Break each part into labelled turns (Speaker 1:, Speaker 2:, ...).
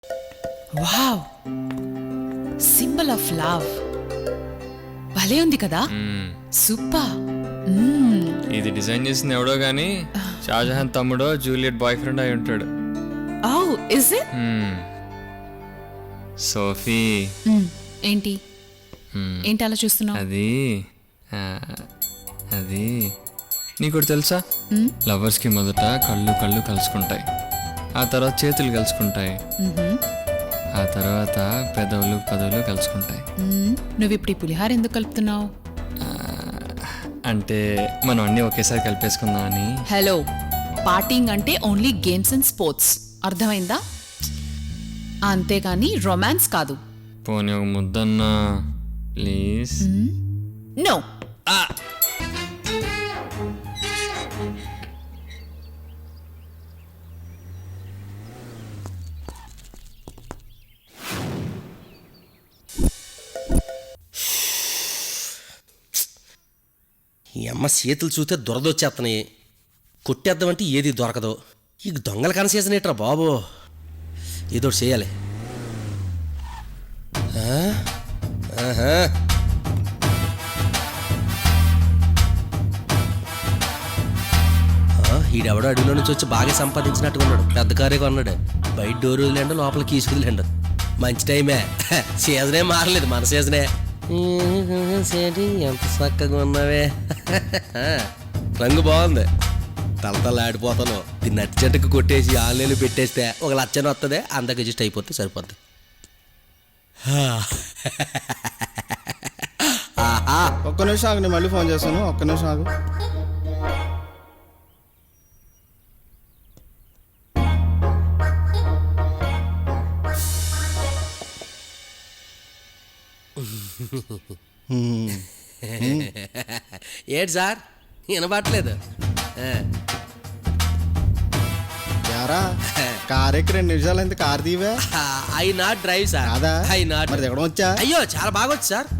Speaker 1: Wow, symbol of love. భలే ఉంది కదా. సూపర్.
Speaker 2: ఇది డిజైన్ చేసింది ఎవడో గానీ షాజహాన్ తమ్ముడో జూలియట్ బాయ్ ఫ్రెండ్ అయి ఉంటాడు.
Speaker 1: Oh is it?
Speaker 2: సోఫీ,
Speaker 1: ఏంటి ఏంటి అలా చూస్తున్నావు?
Speaker 2: అది నీకు తెలుసా, లవర్స్కి మొదట కళ్ళు కళ్ళు కలుసుకుంటాయి, ఆ తర్వాత చేతులు కలుసుకుంటాయి, ఆ తర్వాత పెదవులు పదవులు కలుసుకుంటాయి.
Speaker 1: నువ్వు ఇప్పుడు ఈ పులిహార ఎందుకు కలుపుతున్నావు?
Speaker 2: అంటే మనం అన్నీ ఒకేసారి కలిపేసుకుందాం అని.
Speaker 1: హలో, పార్టీంగ్ అంటే ఓన్లీ గేమ్స్ అండ్ స్పోర్ట్స్, అర్థమైందా? అంతేగాని రొమాన్స్ కాదు.
Speaker 2: పోనీ ఒక ముద్దన్నా ప్లీజ్.
Speaker 1: నో.
Speaker 3: ఈ అమ్మ చేతులు చూస్తే దురదొచ్చేస్తున్నాయి. కొట్టేద్దామంటే ఏది దొరకదు. ఈ దొంగల కనసీజన్ ఏట్రా బాబు, ఏదో చేయాలి. ఈడెవడో అడవిలో నుంచి వచ్చి బాగా సంపాదించినట్టుగా ఉన్నాడు. పెద్ద కారే కొన్నాడు. బయట డోర్ వదిలేండు, లోపల కీసుకుదిలేండు. మంచి టైమే. సీజనే మారలేదు, మన సీజనే. ఎంత చక్కగా ఉన్నావే. రంగు బాగుంది, తలతలాడిపోతాను. దీన్ని నట్టి చెట్టుకు కొట్టేసి ఆన్లైన్లో పెట్టేస్తే ఒక లచ్చన వస్తుంది, అందరికి అడ్జస్ట్ అయిపోతే సరిపోద్ది.
Speaker 4: ఒక్క నిమిషం ఆగు, నేను మళ్ళీ ఫోన్ చేస్తాను. ఒక్క నిమిషం ఆగు.
Speaker 3: ఏంటి సార్ వినబట్టలేదు?
Speaker 4: యారా కారెక్కి 2 నిమిషాలు అయింది, కార్ తీవే.
Speaker 3: I not drive sir.
Speaker 4: అదా
Speaker 3: ఐ నాట్.
Speaker 4: మరి ఎక్కడ వచ్చా?
Speaker 3: అయ్యో చాలా బాగా వచ్చు సార్.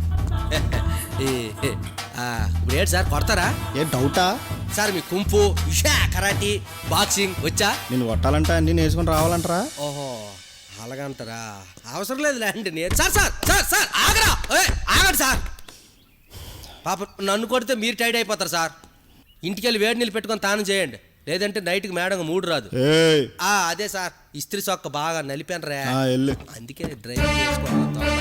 Speaker 3: ఇప్పుడు ఏంటి సార్ కొడతారా?
Speaker 4: ఏ డౌటా
Speaker 3: సార్? మీ కుంఫు, కరాటీ, బాక్సింగ్ వచ్చా?
Speaker 4: నేను కొట్టాలంటా అన్ని నేర్చుకుని రావాలంటారా?
Speaker 3: ఓహో అలాగంటారా? అవసరం లేదు లేండి. నేను సార్ సార్ సార్ సార్ ఆగరా, ఆగండి సార్. పాప నన్ను కొడితే మీరు టైడ్ అయిపోతారు సార్. ఇంటికి వెళ్ళి వేడి నీళ్ళు పెట్టుకొని తానం చేయండి, లేదంటే నైట్కి మేడం మూడు రాదు. అదే సార్, ఇస్త్రీ సొక్క బాగా నలిపాను రా, అందుకే డ్రైవ్ చేసుకోవాలి.